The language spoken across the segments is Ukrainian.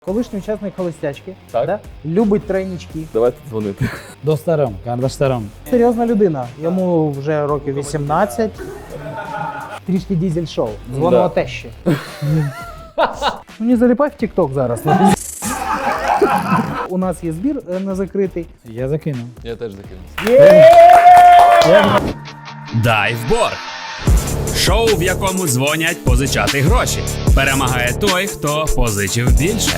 Колишній учасник холостячки, Так. да? Любить тройнички. Давайте дзвонити. Достаром, Кардаштером. Серйозна людина. Йому вже років 18. Трішки дізель-шоу. Дзвонила тещі. Ну не заліпай в TikTok зараз. У нас є збір не закритий. Я закинув. Я теж закинув. Дайвборг. Шоу, в якому дзвонять позичати гроші. Перемагає той, хто позичив більше.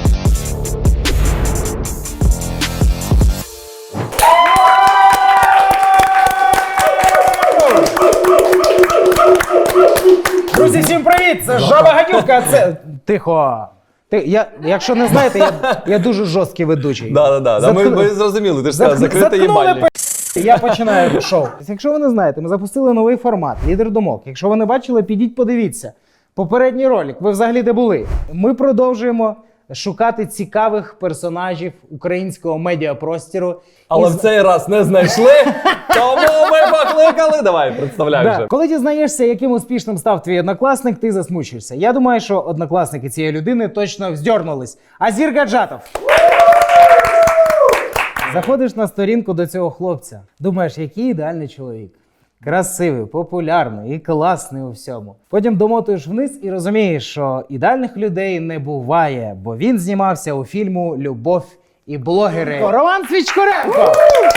Друзі, всім привіт! Це Жаба Гадюка, це... Тихо! Якщо не знаєте, я дуже жорсткий ведучий. Да. Ми зрозуміли, ти ж сказав, закрити їбальник. Я починаю шоу. Якщо ви не знаєте, ми запустили новий формат «Лідер думок». Якщо ви не бачили, підіть подивіться. Попередній ролик, ви взагалі де були? Ми продовжуємо шукати цікавих персонажів українського медіапростіру. Але в цей раз не знайшли, тому ми покликали. Давай, представляй вже. Коли дізнаєшся, яким успішним став твій однокласник, ти засмучишся. Я думаю, що однокласники цієї людини точно вздьорнулись. Азір Гаджатов. Заходиш на сторінку до цього хлопця. Думаєш, який ідеальний чоловік. Красивий, популярний і класний у всьому. Потім домотуєш вниз і розумієш, що ідеальних людей не буває, бо він знімався у фільму «Любов і блогери». Роман Свічкоренко!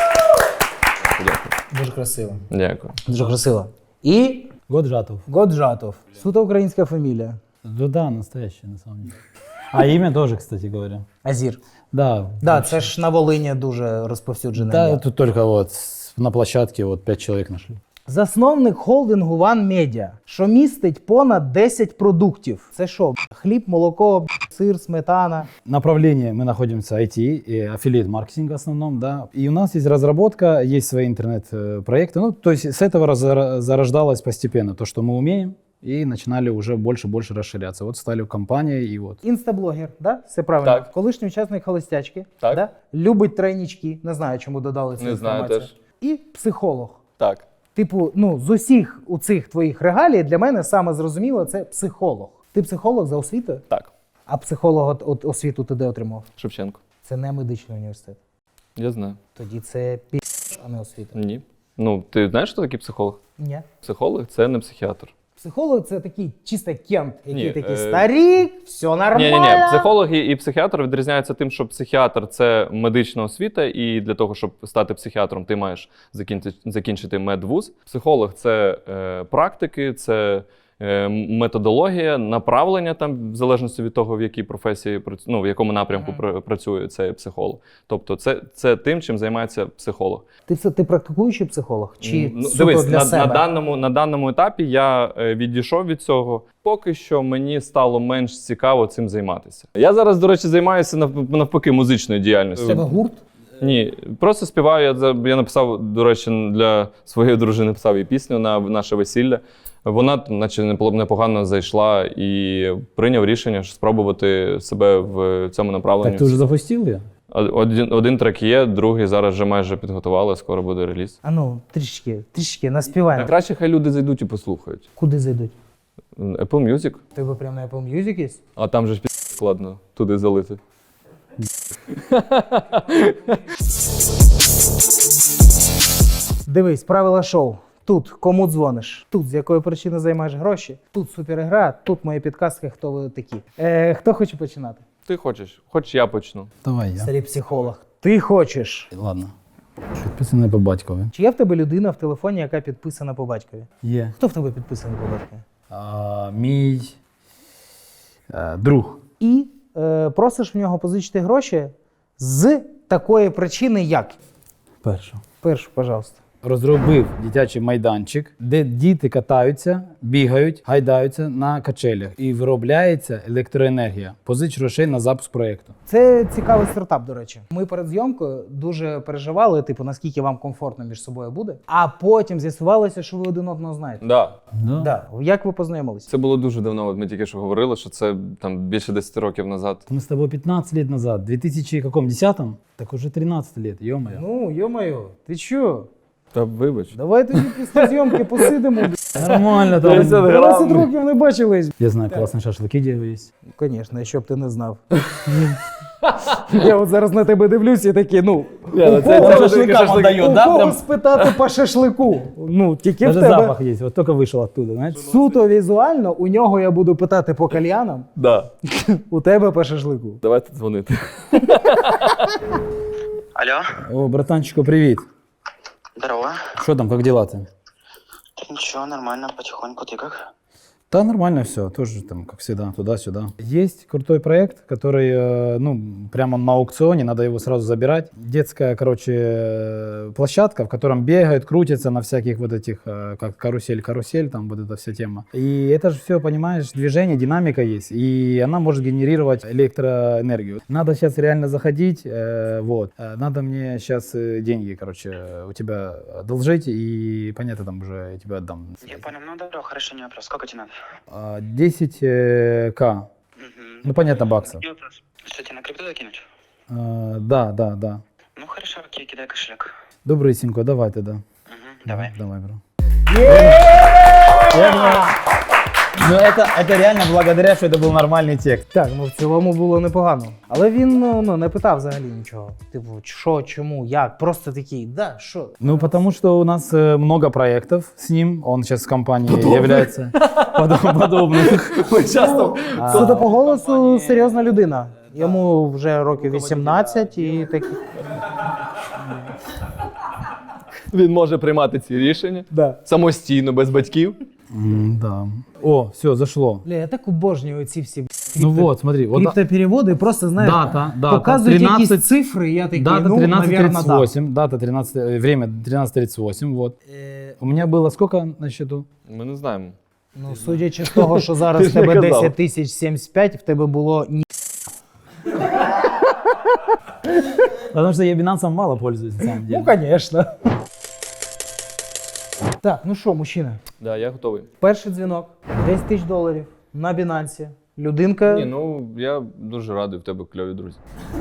Дуже красиво. Дякую. Дуже красиво. І Годжатов. Годжатов. Суто українська фамілія. Да, настоящий, на самом деле. А имя тоже, кстати говоря. Азір. Да. Да, це ж на Волині дуже розповсюджене. Да, ім'я. тут только вот на площадке вот 5 человек нашли. Засновник холдингу One Media, що містить понад 10 продуктів. Це що? Хліб, молоко, сир, сметана. Направление мы находимся IT и аффилиат-маркетинг в основном, да. И у нас есть разработка, есть свои интернет-проекты. Ну, то есть с этого зарождалось постепенно то, что мы умеем, и начинали уже больше расширяться. Вот стали компанией и вот. Інстаблогер, да? Все правильно. Так. Колишній учасник холостячки, Так. да? Любить тройнички. Не знаю, чому додали цю Не знаю інформацію. І психолог. Так. Типу, ну, з усіх у цих твоїх регалій для мене саме зрозуміло це психолог. Ти психолог за освітою? Так. А психолога от освіту ти де отримав? Шевченко. Це не медичний університет. Я знаю. Тоді це а не освіта. Ні. Ну, ти знаєш, що такий психолог? Ні. Психолог – це не психіатр. Психолог це такий чисто кент, який Ні, такий старік, все нормально. Ні. Психолог і психіатр відрізняються тим, що психіатр – це медична освіта, і для того, щоб стати психіатром, ти маєш закінчити медвуз. Психолог – це практики, це методологія, направлення там, в залежності від того, в якій професії, ну, в якому напрямку працює цей психолог. Тобто це тим, чим займається психолог. Ти практикуючий психолог? Чи суто Дивись, для себе? на даному етапі я відійшов від цього. Поки що мені стало менш цікаво цим займатися. Я зараз, до речі, займаюся навпаки музичною діяльністю. Тебе гурт? Ні, просто співаю. Я написав, до речі, для своєї дружини написав їй пісню на наше весілля. Вона, наче, непогано зайшла і прийняв рішення спробувати себе в цьому направленні. Так ты уже запустил ее? Один трек є, другий зараз вже майже підготували, скоро буде реліз. А ну, трішки, наспівай. Краще хай люди зайдуть і послухають. Куди зайдуть? Apple Music, У тебе прямо на Apple Music є? а там же ж складно туди залити. Дивись, правила шоу. Тут кому дзвониш, тут з якої причини займаєш гроші, тут супергра, тут мої підказки, хто ви такі. Хто хоче починати? Ти хочеш? Хоч я почну. Давай я. Старий психолог. Ти хочеш. Ладно. Підписаний по батькові. Чи є в тебе людина в телефоні, яка підписана по батькові? Є. Хто в тебе підписаний по батькові? Мій друг. І просиш в нього позичити гроші з такої причини, як? Першу, пожалуйста. Розробив дитячий майданчик, де діти катаються, бігають, гайдаються на качелях і виробляється електроенергія. Позич грошей на запуск проєкту. Це цікавий стартап, до речі. Ми перед зйомкою дуже переживали, типу, наскільки вам комфортно між собою буде. А потім з'ясувалося, що ви один одного знаєте. Да. Да. Як ви познайомилися? Це було дуже давно, от ми тільки що говорили, що це там більше 10 років назад. Мы с тобой 15 лет назад, в 2010-м? Так уже 13 лет, ё-моё. Ну, йо-моє, ти чо? Та вибач. Давай тоді після зйомки посидимо. Нормально там. 10 грам. 20 років не бачились. Я знаю, классные шашлыки где есть. Звісно, якщо б ти не знав. Я от зараз на тебе дивлюсь і такий, ну, це шашликам отдает, у да, кого прям? спитати по шашлику? Ну, тільки в Даже тебе. запах есть, вот только вышел оттуда, знаешь. Суто візуально, у нього я буду питати по кальянам, Да. у тебе по шашлику. Давайте дзвонити. Алло, О, братанчику, привет. здорово. Что там, как дела-то? Да ничего, нормально, потихоньку, ты как? Да, нормально все, тоже там, как всегда, туда-сюда. Есть крутой проект, который, ну, прямо на аукционе, надо его сразу забирать. Детская, короче, площадка, в котором бегают, крутятся на всяких вот этих, как карусель, там вот эта вся тема. И это же все, понимаешь, движение, динамика есть, и она может генерировать электроэнергию. Надо сейчас реально заходить, вот. Надо мне сейчас деньги, короче, у тебя одолжить, и, понятно, там уже я тебе отдам. Я понял, ну добро, хорошо, не вопрос. Сколько тебе надо? 10К. Ну, понятно, баксов. Не вопрос. Что, тебе на крипту закинуть? Да. Ну хорошо, окей, кидай кошелек. Добрый, Синько, давай тогда. Давай. Давай, бро. Ну, это реально благодаря, что это был нормальный текст. Так, ну в цілому було непогано. Але він ну, не питав взагалі нічого. Типу, що, чому, як? Просто такий, да, що? Ну, потому что у нас много проектов с ним. Он сейчас в компании является подобных. Судя по голосу, серйозна людина. Йому вже років 18 і такі. Він може приймати ці рішення Да. самостійно, без батьків. Да. О, все, зашло. Бля, я так обожнюю ці всі Ну вот, смотри. Вот криптопереводи, просто, знаєш, дата, показують 13, якісь цифри, і я такий, дата ну, навірно, да. 13:38, дата 13, время 13:38, вот. У меня было сколько на счету? Ми не знаємо. Ну, судячи з того, що зараз Ти в ж не тебе казав. 10 075, в тебе було ні. Потому что я Binance мало пользуюсь, на самом деле. Ну, звісно. Так, ну що, мужчина, Да, я готовий. перший дзвінок, $10 000 на Binance. Людинка, Ні, ну я дуже радий, в тебе кльові друзі.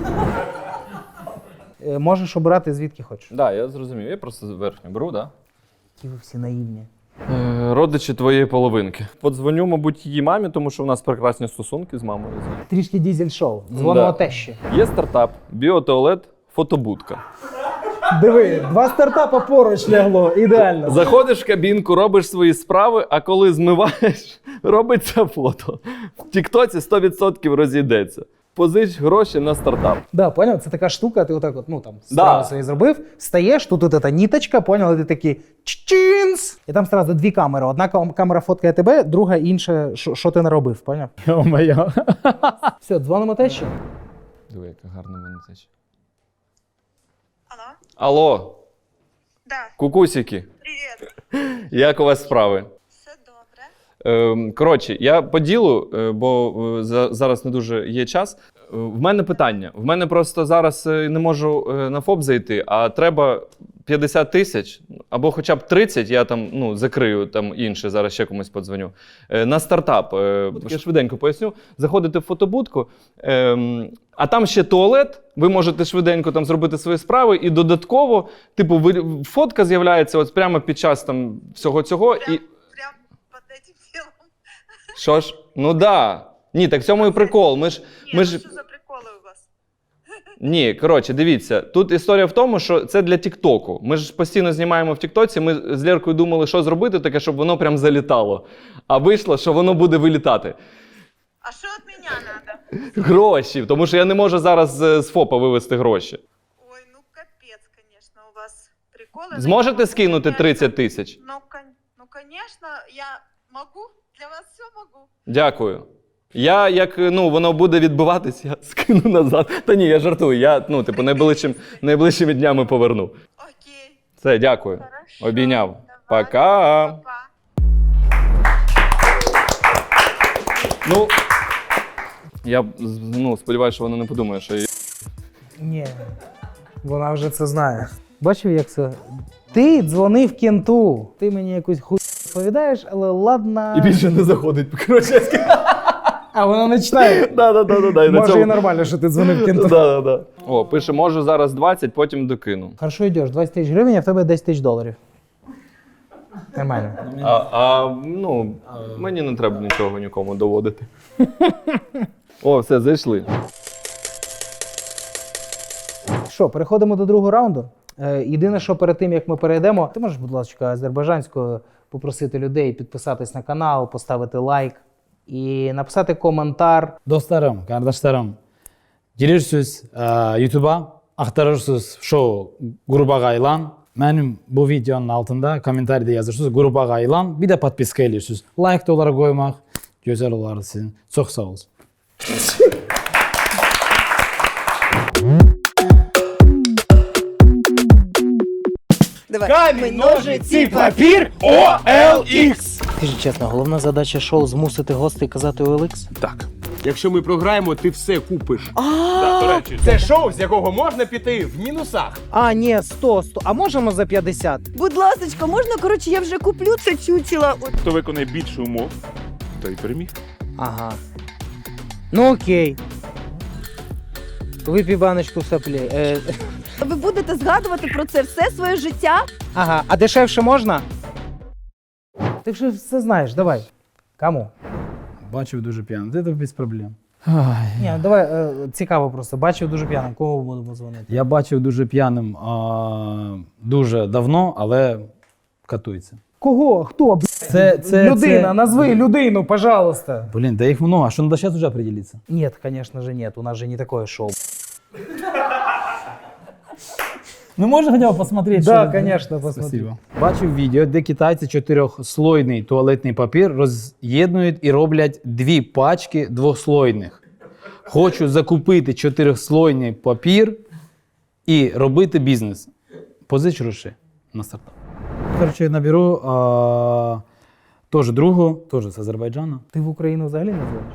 можеш обирати звідки хочеш. Да, я зрозумів. Я просто верхню беру, да? Які ви всі наївні. Родичі твоєї половинки. Подзвоню, мабуть, її мамі, тому що в нас прекрасні стосунки з мамою. Трішки дізель-шоу. Дзвонимо Да. тещі. Є стартап, біотуалет, фотобудка. Диви, 2 стартапа поруч лягло, ідеально. Заходиш в кабінку, робиш свої справи, а коли змиваєш, робиться фото. В Тіктоці 100% розійдеться. Позич гроші на стартап. Да, понял? Це така штука, ти отак от, ну там, справу Да. собі зробив, стаєш, тут от эта ніточка, понял, і ти такий чінс. І там одразу 2 камери. Одна камера фоткає тебе, друга інша, що ти наробив, поняв? Ё-моё. Все, дзвонимо тещі. Диви, яка гарна в мене теча. Алло? Алло, Да, кукусики, привет. як у вас справи? Все добре. Коротше, я по ділу, бо зараз не дуже є час. В мене питання. В мене просто зараз не можу на ФОП зайти, а треба 50 тисяч, або хоча б 30, я там закрию там інше, зараз ще комусь подзвоню. На стартап. Я швиденько поясню. Заходите в фотобудку, а там ще туалет, ви можете швиденько там зробити свої справи, і додатково, типу, фотка з'являється от прямо під час там всього цього. Прям, І... прям под этим делом. Що ж? Ну да. Ні, так в цьому і прикол. Ми ж. Ну что за приколы у вас? Ні, коротше, дивіться. Тут історія в тому, що це для Тіктоку. Ми ж постійно знімаємо в Тіктоці. Ми з Лєркою думали, що зробити таке, щоб воно прям залітало. А вийшло, що воно буде вилітати. А что от меня надо? Гроші, тому що я не можу зараз з ФОПа вивести гроші. Ой, ну капец, конечно, у вас приколы. Но Зможете я скинути могу, 30 тисяч? Ну, конечно, я могу. Для вас все могу. Дякую. Я, як воно буде відбиватись, я скину назад. Та ні, я жартую. Я, типу, найближчими днями поверну. Окей. Все, дякую. Хорошо. Обійняв. Давай. Пока. Пока. Ну, я сподіваюся, що вона не подумає, що я... Ні, вона вже це знає. Бачив, як це? Ти дзвонив кенту. Ти мені якусь хуй розповідаєш, але ладно. І більше не заходить. Коротше, А воно не читає. Да. Може і нормально, що ти дзвонив кенту. Да. О, пише, може зараз 20, потім докину. Хорошо йдеш, 20 тисяч гривень, а в тебе 10 тисяч доларів. Нормально. Ну, мені не треба нічого нікому доводити. О, все, зайшли. Що, переходимо до другого раунду. Єдине, що перед тим, як ми перейдемо, ти можеш, будь ласка, азербайджанською попросити людей підписатись на канал, поставити лайк і написати коментар. Достарым, кардаштарым, келерсіз ютуба ақтарырсыз шоу Гурбаға Айлан. Мәнім бұл видеоның алтында комментарийде жазырсыз Гурбаға Айлан, бір де подписка елерсіз. Лайк долар қоймақ, көзер олар сізін. Çox sağ olsun. Камінь, ножиці, папір, OLX! Скажи чесно, головна задача шоу змусити гостей казати OLX? Так. Якщо ми програємо, ти все купиш. До речі, це шоу, з якого можна піти в мінусах. А, ні, 100. А можемо за 50? Будь ласочка, можна, коротше, я вже куплю це чучело. Хто виконає більше умов, той переміг. Ага. Ну окей. Випій баночку соплі. Ви будете згадувати про це все своє життя? Ага, а дешевше можна? Ти вже все знаєш, давай. Кому? Бачив дуже п'яний, це без проблем. Ні, давай, цікаво просто. Бачив дуже п'яним, кого будемо дзвонити? Я бачив дуже п'яним дуже давно, але катується. Кого? Хто? Людина, назви людину, пожалуйста. Блин, да их много, а что надо сейчас уже определиться? Нет, конечно же нет, у нас же не такое шоу. Ну можно хотя бы посмотреть? Да, что- конечно, посмотри. Спасибо. Бачив відео, де китайці чотирьохслойний туалетний папір роз'єднують і роблять 2 пачки двохслойних. Хочу закупити 4-слойний папір і робити бізнес. Позич гроші на стартап. Короче, наберу теж другу, теж з Азербайджану. Ти в Україну взагалі не дзвониш?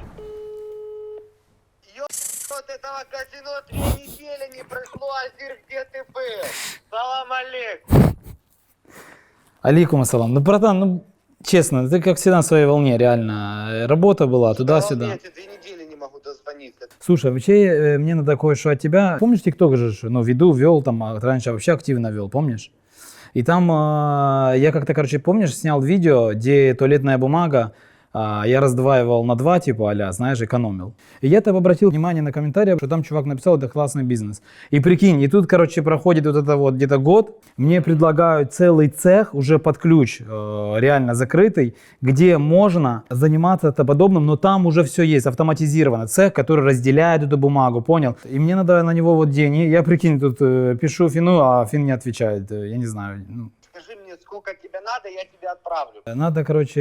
Вот этого казино 3 недели не прошло, Азир, где ты был? Салам алейкум. Алейкум ассалам. Ну, братан, ну, честно, ты как всегда на своей волне, реально. Работа была туда-сюда. Я тебе 2 недели не могу дозвониться. Слушай, вообще мне надо кое-что от тебя. Помнишь, ТикТок же, ну, вел там, раньше вообще активно вел, помнишь? И там я как-то, короче, помнишь, снял видео, где туалетная бумага, я раздваивал на 2, типа, а-ля, знаешь, экономил. И я там обратил внимание на комментарии, что там чувак написал, это классный бизнес. И прикинь, и тут, короче, проходит вот это вот где-то год, мне предлагают целый цех уже под ключ, реально закрытый, где можно заниматься это подобным, но там уже все есть, автоматизировано. Цех, который разделяет эту бумагу, понял? И мне надо на него вот день, и я, прикинь, тут пишу Фину, а Фин не отвечает, я не знаю, ну. Скажи мне, сколько тебе надо, я тебе отправлю. Надо, короче,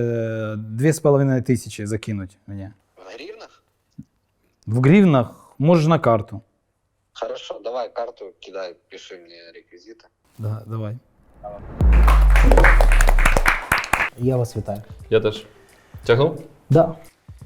2500 закинуть мне. В гривнах? В гривнах, можешь на карту. Хорошо, давай карту кидай, пиши мне реквизиты. Да, давай. Я вас вітаю. Я теж. Тягнув? Да.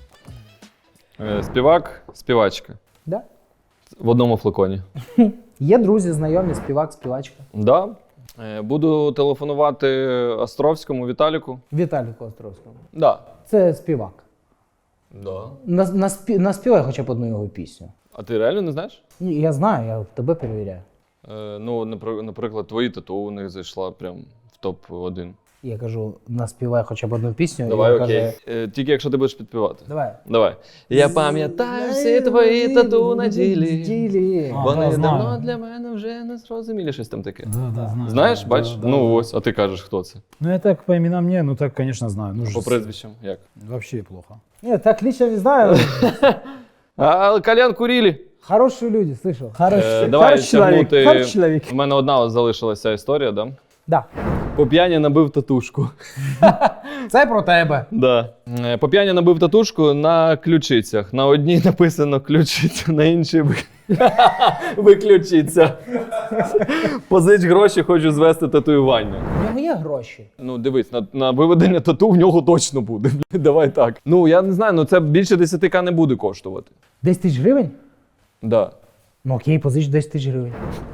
Співак, співачка. Да. В одному флаконі. Є друзі, знайомі, співак, співачка. Да. Буду телефонувати Островському Віталіку. Віталіку Островському. Да. Це співак. Да. Наспівай хоча б одну його пісню. А ти реально не знаєш? Ні, я знаю, я тебе перевіряю. Ну, наприклад, твої тату у них зайшла прям в топ-1. Я кажу, наспівай хоча б одну пісню. і Давай, він окей. каже, Тільки якщо ти будеш підпівати. Давай. Давай. Я пам'ятаю всі твої тату на тілі. Вони знаю. давно для мене вже не зрозумілі. Щось там таке. Да, да, знаю. Знаєш, Да, бачиш? да, Ну да. ось, а ти кажеш, хто це? Ну я так по именам не, ну так, конечно, знаю. Ну, По прізвищам, як? Вообще плохо. Ні, так лично не знаю. А кальян курілі. Хороші люди, слышал. Давай тягнути. Хороший человек. У мене одна залишилася історія, да? Да. По п'яні набив татушку. Це про тебе. Да. По п'яні набив татушку на ключицях. На одній написано ключиця, на іншій виключиться. Позич гроші, хочу звести татуювання. У нього є гроші. Ну, дивись, на виведення тату в нього точно буде. Давай так. Ну, я не знаю, ну це більше 10к не буде коштувати. 10 тисяч гривень? Да. Ну окей, позич 10 тисяч гривень.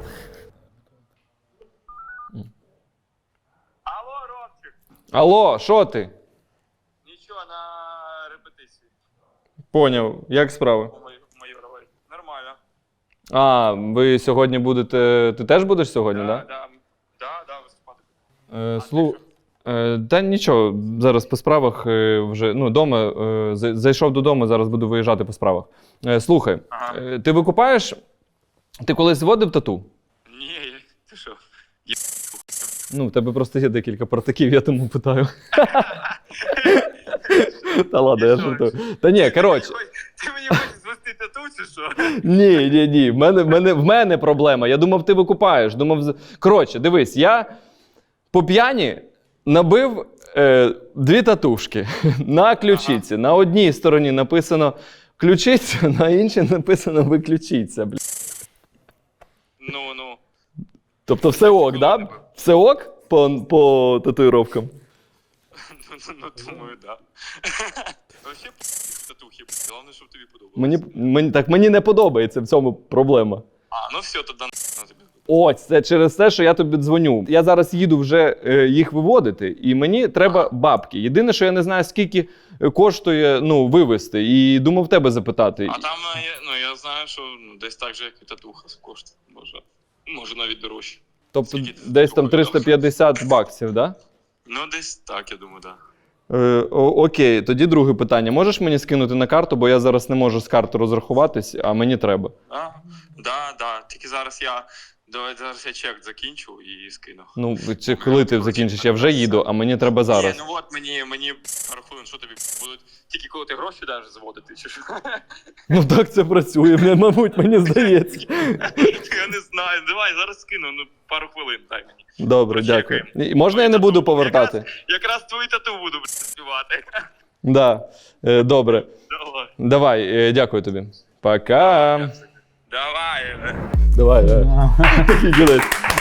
Алло, Ромчик. Алло, що ти? Ничего, на репетиции. Поняв. Як справи? Нормально. А, ви сьогодні будете. Ти теж будеш сьогодні, так? Да, виступати. Та нічого, зараз по справах вже дома, зайшов додому, зараз буду виїжджати по справах. Слухай, ти викупаєш, ти колись зводив тату? Ні, ти що? Ну, в тебе просто є декілька партаків, я тому питаю. Та ладно, я жартую. Та ні, коротше. Ти мені хочеш звести тату чи що? Ні. В мене проблема. Я думав, ти викупаєш. Коротше, дивись, я по п'яні набив 2 татушки на ключиці. На одній стороні написано ключиця, на іншій написано виключіться. Ну. Тобто все ок, да? Все ок по татуїровкам? Ну, думаю, да. Вообще, татухи, головне, щоб тобі подобалося. Мені не подобається, в цьому проблема. Ну все, тоді на тобі. Ось, це через те, що я тобі дзвоню. Я зараз їду вже їх виводити, і мені треба бабки. Єдине, що я не знаю, скільки коштує вивезти, і думав тебе запитати. А там, я знаю, що десь так же, як і татуха коштує. Може навіть дорожче. Тобто Скільки ти десь там такого 350 баксів, так? Да? Ну, десь так, я думаю, так. Окей, тоді друге питання. Можеш мені скинути на карту, бо я зараз не можу з карти розрахуватись, а мені треба. Да. Тільки зараз я чек закінчу і скину. Ну, чи коли ти закінчиш? Я вже їду, а мені треба зараз. Ні, ну от мені пару хвилин, що тобі будуть тільки коли ти гроші даєш заводити, чи що? Ну так це працює, мабуть, мені здається. Я не знаю, давай, зараз скину, пару хвилин дай мені. Добре, дякую. І можна я не буду повертати? Якраз твою тату буду співати. Да, добре. Давай, дякую тобі. Пока. Давай. Такий кінець.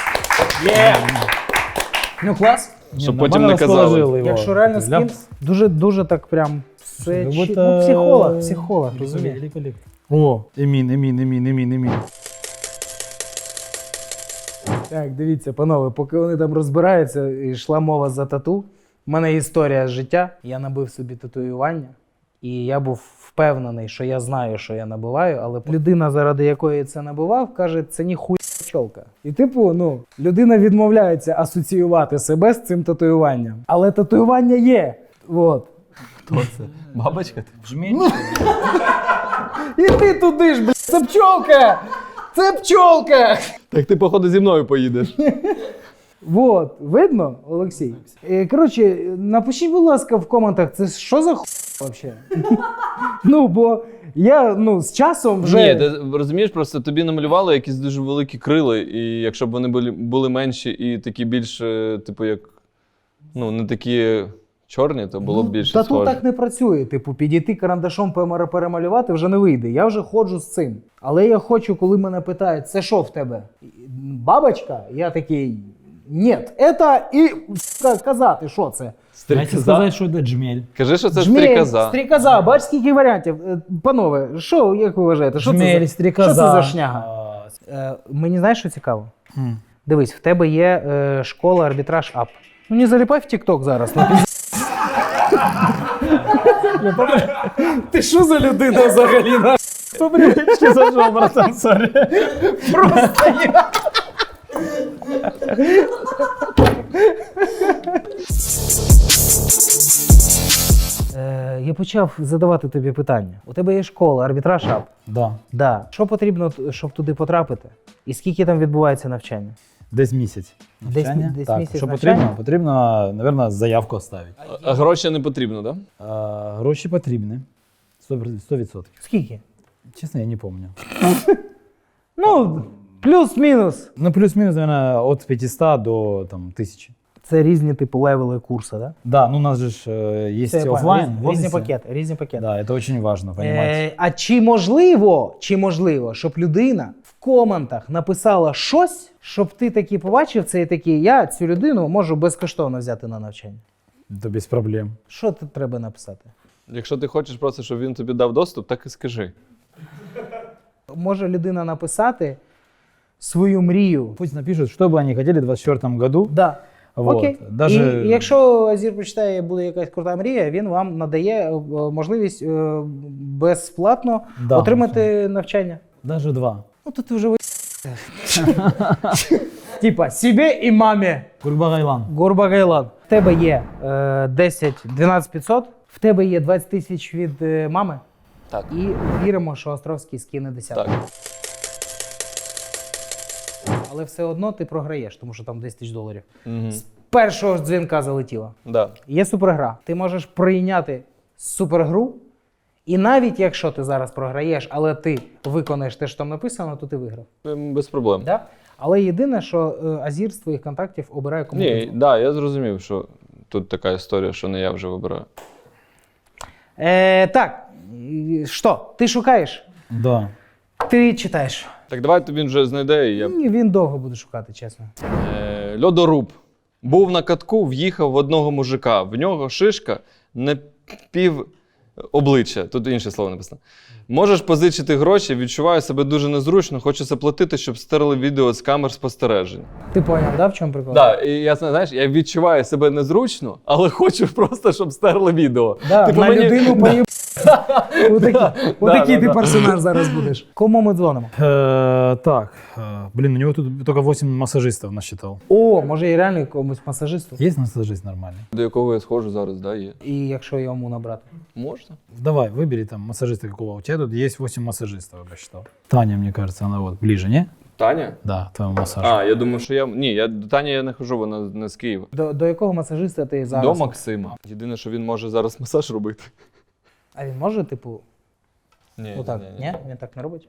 Ну клас. Щоб потім не казали. Якщо реально скін, дуже так прям все психолог, розумієш? О, Емін. Так, дивіться, панове, поки вони там розбираються, і йшла мова за тату. У мене історія з життя. Я набив собі татуювання, і я був впевнений, що я знаю, що я набиваю, але людина, заради якої я це набивав, каже, це ніхуя пчолка. І людина відмовляється асоціювати себе з цим татуюванням. Але татуювання є. Вот. Хто це? Бабочка? І ти туди ж, блядь, це пчолка! Це пчолка! Так ти, походу, зі мною поїдеш. Вот, видно, Олексій? Коротше, напишіть, будь ласка, в коментах, це що за хуй взагалі? Бо я, з часом вже... Ні, ти розумієш, просто тобі намалювали якісь дуже великі крила, і якщо б вони були менші і такі більш, як, не такі чорні, то було б більше Тату схоже. так не працює. Підійти карандашом перемалювати вже не вийде. Я вже ходжу з цим. Але я хочу, коли мене питають, це що в тебе? Бабочка? Я такий, ні, це і казати, що це? Знаете сказати, що це джмель. Кажи, що це Джмель, стрікоза. Стрікоза, бач, скільки варіантів. Панове, як ви вважаєте, що Джмель, що це за шняга? Мені знаєш, що цікаво? Дивись, в тебе є школа арбітраж ап. Не заліпай в TikTok зараз. Ти що за людина взагалі? По привычке зажал, братан, сорі. Просто я. Я почав задавати тобі питання. У тебе є школа, арбітраж ап. Да. Що потрібно, щоб туди потрапити? І скільки там відбувається навчання? Десь місяць. Десь так, місяць що навчання? потрібно, мабуть, заявку оставити. А гроші не потрібно, так? Гроші потрібні. 100%. Скільки? Чесно, я не пам'ятаю. Плюс-мінус. Плюс-мінус, мабуть, від 500 до 1000. Це різні типу левели курсу, так? Да, у нас же є офлайн. Різні пакети. Да, це дуже важливо, розумієте? А чи можливо, щоб людина в коментах написала щось, щоб ти таки побачив це і такий, я цю людину можу безкоштовно взяти на навчання? Це без проблем. Що тут треба написати? Якщо ти хочеш просто, щоб він тобі дав доступ, так і скажи. Може людина написати свою мрію. Пусть напишут, что бы они хотели в 2024 году. Да. Вот. Окей. Даже... І якщо Азір почитає, буде якась крута мрія, він вам надає можливість безплатно Да, отримати навчання. Даже 2. Ну то ти вже типа себе і мамі. Гурбагайлан. Гурбагайлан. В тебе є 12 500, в тебе є 20 тисяч від мами. Так. І віримо, що Островський скине десятку. Так. Але все одно ти програєш, тому що там 10 тисяч доларів. Угу. З першого ж дзвінка залетіло. Да. Є супергра. Ти можеш прийняти супергру, і навіть якщо ти зараз програєш, але ти виконаєш те, що там написано, то ти виграв. Без проблем. Да? Але єдине, що Азір з твоїх контактів обирає кому. Ні, да, я зрозумів, що тут така історія, що не я вже вибираю. Так, що? Ти шукаєш? Да. Ти читаєш. Так давай він вже знайде, і я. Ні, він довго буде шукати, чесно. Льодоруб. Був на катку, в'їхав в одного мужика. В нього шишка на пів обличчя. Тут інше слово написано. Можеш позичити гроші, відчуваю себе дуже незручно, хочу заплатити, щоб стерли відео з камер спостережень. Ти поняв, да, в чому прикол? Так, і я знаєш, я відчуваю себе незручно, але хочу просто, щоб стерли відео. Да, Типу, на мені- людину поїб. Отакий ти да. персонаж зараз будеш. Кому ми дзвонимо? Так, блин, у него тут только 8 массажистов насчитал. О, може і реально якомусь масажисту. Есть массажист нормальный? До якого я схожу зараз, да, є. І якщо йому набрати. Можна? Давай, выбери там массажиста какого. У тебя тут есть 8 массажистов, я посчитал. Таня, мне кажется, она вот ближе, не? Таня? Да, твоему массажу. А, я думаю, що я. Ні, я до Тані я не хожу, вона не з Києва. До якого масажиста ти зараз? До Максима. Єдине, що він може зараз масаж робити. А він може, типу, Ні, отак? Ні? Він так не робить?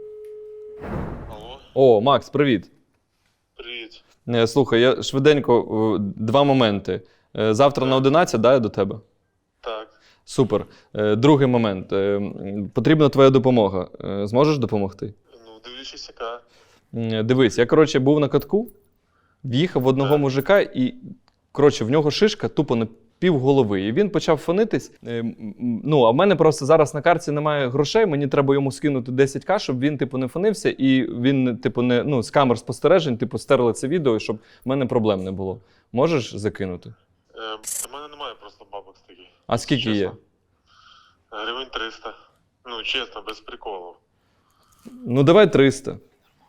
Алло, О, Макс, привіт. привіт. Слухай, я швиденько два моменти. Завтра на 11, да, я до тебе? Так. Супер. Другий момент. Потрібна твоя допомога. Зможеш допомогти? Ну, дивлячись, яка. Дивись, я, коротше, був на катку, в'їхав в одного мужика і, коротше, в нього шишка тупо на пів голови. І він почав фонитись. Ну, а в мене просто зараз на карті немає грошей, мені треба йому скинути 10к, щоб він, типу, не фонився, і він, типу, не, ну, з камер спостережень, типу, стерли це відео, щоб в мене проблем не було. Можеш закинути? У мене немає просто бабок таких. А скільки є? Гривень 300. Ну, чесно, без приколу. Ну, давай 300.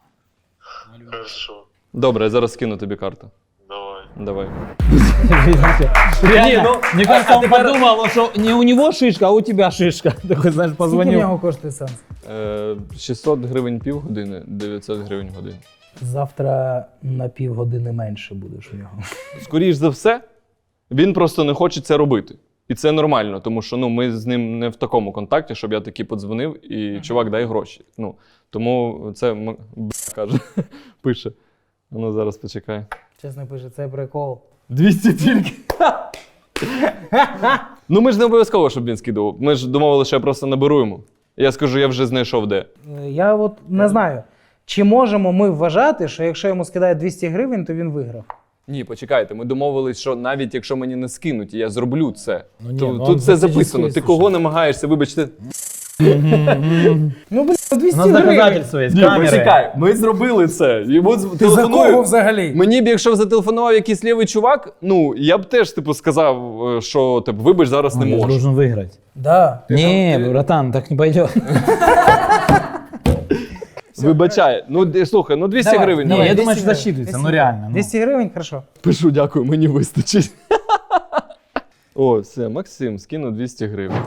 Хорошо. Добре, я зараз скину тобі карту. Давай. Давай. Реально, мне кажется, он подумал, что не у него шишка, а у тебя шишка. Такой, знаешь, Скільки в позвонил. нього коштує сеанс? 600 гривень півгодини, 900 гривень годин. Завтра на півгодини менше будеш у нього. Скоріш за все, він просто не хоче це робити. І це нормально, тому що ну, ми з ним не в такому контакті, щоб я такий подзвонив і чувак, дай гроші. Ну, тому це каже, пише. Ну, зараз почекай. Чесно пише, це прикол. 200 тільки. Ну, ми ж не обов'язково, щоб він скидував. Ми ж домовили, що я просто наберу йому. Я скажу, я вже знайшов де. Я от не знаю, чи можемо ми вважати, що якщо йому скидають 200 гривень, то він виграв. Ні, почекайте, ми домовились, що навіть якщо мені не скинуть, я зроблю це. Ну, ні, То- ну, тут он все фактически, записано. Ти слушай. кого намагаєшся, вибачте. Ну, блін, 200 У нас гривень. доказательства есть, Ні, камеры. почекай, ми зробили це. Йому Ти за кого телефоную. взагалі? Мені б, якщо б зателефонував якийсь лівий чувак, ну, я б теж, типу, сказав, що, типу, вибач, зараз не Он можу. должен выиграть. Да. Не, братан, так не пойдет. Вибачай. Ну, слухай, ну 200 Давай, гривень. давай, я 200 думаю, что гривень. засчитывается, 200 ну реально. ну. 200 гривень, хорошо. Пишу, дякую, мені вистачить. О, все, Максим, скину 200 гривень.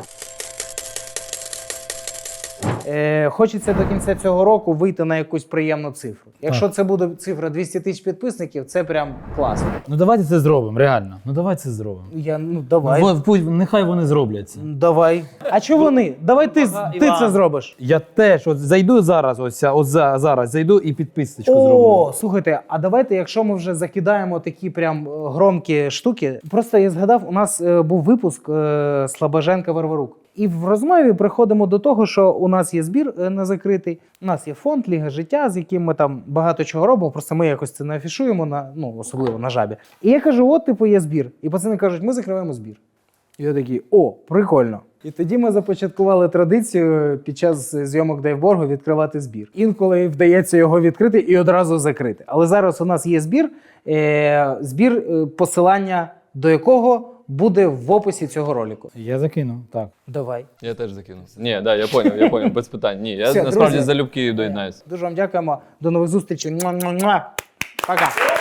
Хочеться до кінця цього року вийти на якусь приємну цифру. Якщо це буде цифра 200 тисяч підписників, це прям класно. Ну давайте це зробимо, реально. Ну давайте це зробимо. Давай. Нехай вони зроблять це. Давай. А чого вони? Давай ти це зробиш. Я теж от зайду зараз, зараз зайду і підписочку О, зроблю. слухайте, а давайте, якщо ми вже закидаємо такі прям громкі штуки. Просто я згадав, у нас був випуск Слабоженка Варварук. І в розмові приходимо до того, що у нас є збір не закритий, у нас є фонд Ліга життя, з яким ми там багато чого робимо, просто ми якось це не афішуємо, особливо на жабі. І я кажу, от, типу, є збір. І пацани кажуть, ми закриваємо збір. І я такий, о, прикольно. І тоді ми започаткували традицію під час зйомок Дейвборгу відкривати збір. Інколи вдається його відкрити і одразу закрити. Але зараз у нас є збір, посилання до якого буде в описі цього ролику. Я закину, так. Давай. Я теж закинувся. Ні, да, я поняв, без питань. Ні, я Все, насправді друзі. залюбки доєднаюсь. Дуже вам дякуємо. До нових зустрічей. Муа-муа-муа. Пока.